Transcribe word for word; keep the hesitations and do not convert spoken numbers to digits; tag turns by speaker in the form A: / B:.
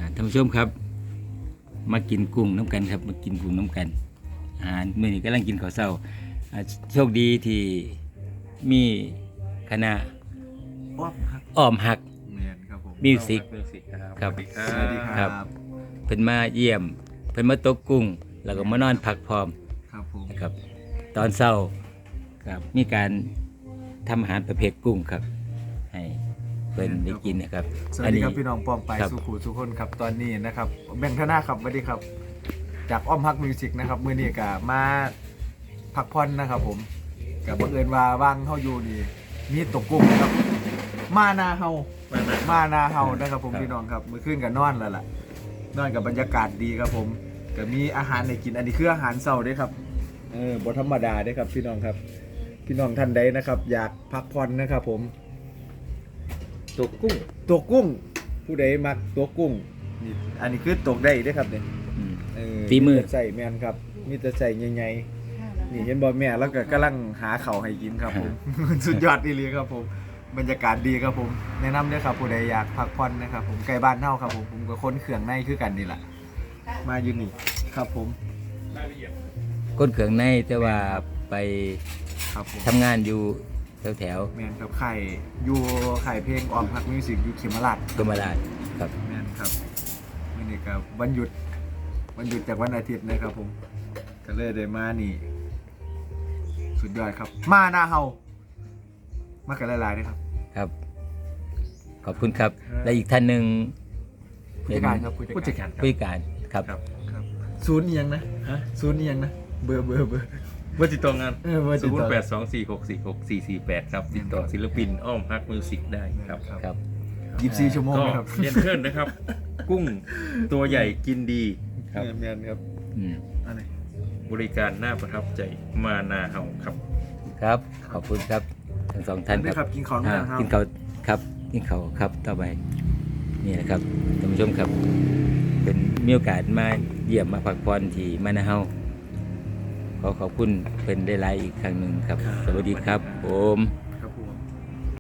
A: ท่านผู้ชมครับมากินกุ้งน้ำกันครับมากินกุ้งน้ำกันอาหารมื้อนี้กำลังกินข้าวเช้าอ่าโชคดีที่มีคณะ
B: อ้อมครับ
A: อ้อมหัก
B: แมนครับผม
A: มิวสิก
C: มิวสิกครับ
A: ครับ
C: สวัสดีครั
B: สวัสดี
C: บ
B: ครับ
A: เพิ่นมาเยี่ยมเพิ่นมาตกกุ้ง แล้วก็มานอนพักพร้อม
B: ครับผม
A: นะครับตอนเช้าครับมีการทำอาหารประเภทกุ้งครับ ให้เพิ่นได้กินนะครับ
B: สวัสดีครับพี่น้องปองไป
A: ครับ
B: สุขุทุกคนครับตอนนี้นะครับแบ่งธนาครับสวัสดีครับ จากอ้อมฮักมิวสิกนะครับมื้อนี้ก็มาพักผ่อนนะครับผมกับบังเอิญว่าว่างเฮาอยู่นี่มีตกกุ้งนะครับมานาเฮา
C: มานะ
B: มานาเฮานะครับผมพี่น้องครับมื้อคืนก็นอนแล้วล่ะนอนกับบรรยากาศดีครับผมก็มีอาหารให้กินอันนี้คืออาหารเช้าเด้ครับเออบ่ธรรมดาเด้ครับพี่น้องครับ พี่น้องท่านใดนะครับ อยากพักผ่อนนะครับผม
C: ตกกุ้ง
B: ตัวกุ้งผู้ใดมักตัวกุ้งนี่อันนี้คือตกได้เด้อครับเนี่ย
A: อืม
B: เออ
A: ฝีมือ
B: แต่ใส่แมนครับมีแต่ใส่ใหญ่ๆนี่เห็นบ่แม่แล้วก็กำลังหาข้าวให้กินครับผม สุดยอดอีหลีครับผมบรรยากาศดีครับผม แนะนำเด้อครับผู้ใดอยากพักผ่อนนะครับผมใกล้บ้านเฮาครับผมผมก็คนเขื่องในคือกันนี่แหละมาอยู่นี่ครับผม
A: ก้นเขืองในแต่ว่าไป
B: ครับผม
A: ทำงานอยู่แถวแถว
B: แมนครับไข่อยู่ไข่เพลงออมพักมิวสิกอยู่เขมราช
A: ๆกรมราชครับ
B: แมนครับวันนี้ครับวันหยุดวันหยุดจากวันอาทิตย์นะครับผมก็เลยได้มานี่ สุดยอดครับ มาหน้าเฮามากันหลายๆนะครับ
A: ครับ ขอบคุณครับ และอีกท่านหนึ่ง
B: ผู้จัดการครับ
C: ผู้จัดการครับ
A: ผู้จัดการครับ
C: ครับ
B: ครับศูนย์เอียงนะฮะศูนย์เอียงนะเบอร์เบอร์เบอร์
C: เบอร์ติดต่องาน
B: เออเบอร์ติ
C: ศู
B: ด
C: น
B: ต่อ
C: ย์แปดสองสี่หกสี่หกสี่สี่แปดครับติดต่อศิลปินอ้อมฮักมิวสิกได้ครับ
A: ครับ
B: ยี่สิบสี่ชั่วโมง
C: ก็
B: นะครับ
C: เรียนเพื่อนนะครับ กุ้งตัวใหญ่กินดี
A: ครับ
B: แมนครับ
A: อืม
B: อะไร
C: บริการน่าประทับใจมานาเฮาครับ
A: ครับ ขอบคุณครับทั้งสองท่าน
B: ได้
A: ค
B: ค
A: รั
B: รั
A: บบ
B: กินของ
A: อ่า
B: นะครับ
A: กินเขาวครับกินเขาวครับต่อไปนี่นะครับท่านผู้ชมครับ เป็นมีโอกาสมาเยี่ยมมาพักผ่อนที่มานาเฮาขอขอบคุณเป็นได้ไลฟ์อีกครั้งหนึ่งครับ สวัสดีครับผม